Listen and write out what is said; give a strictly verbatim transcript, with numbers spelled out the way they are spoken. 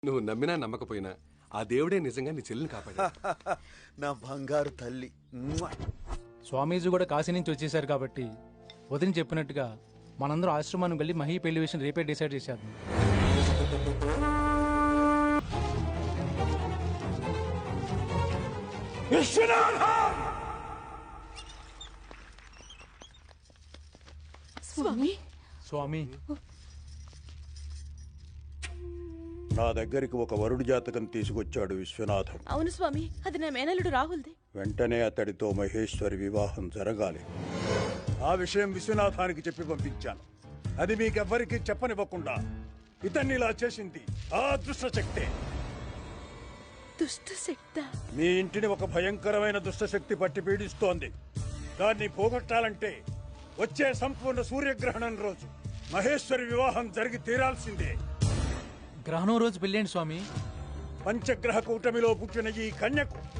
నువ్వు నమ్మినా నమ్మకపోయినా ఆ దేవుడే నిజంగా నీ చెల్లిని కాపాడా. నా బంగారు తల్లి. స్వామీజీ కూడా కాశీ నుంచి వచ్చేసారు కాబట్టి వదిన చెప్పినట్టుగా మనందరూ ఆశ్రమానికి వెళ్ళి మహి పెళ్లి విషయం రేపే డిసైడ్ చేశారు. స్వామి స్వామి నా దగ్గరికి ఒక వరుడి జాతకం తీసుకొచ్చాడు విశ్వనాథం. అవును స్వామి, అది నా మేనల్లుడు రాహుల్ది. వెంటనే అతడితో మహేశ్వరి వివాహం జరగాలి. ఆ విషయం విశ్వనాథానికి చెప్పి పంపించాను. అది మీకెవ్వరికీ చెప్పనివ్వకుండా ఇతన్ని ఇలా చేసింది ఆ దుష్టశక్తే. దుష్టశక్తి? మీ ఇంటిని ఒక భయంకరమైన దుష్టశక్తి పట్టి పీడిస్తోంది. దాన్ని పోగొట్టాలంటే వచ్చే సంపూర్ణ సూర్యగ్రహణం రోజు మహేశ్వరి వివాహం జరిగి తీరాల్సిందే. గ్రహణం రోజు పెళ్ళేంటి స్వామి? పంచగ్రహ కూటమిలో పుట్టిన ఈ కన్యకు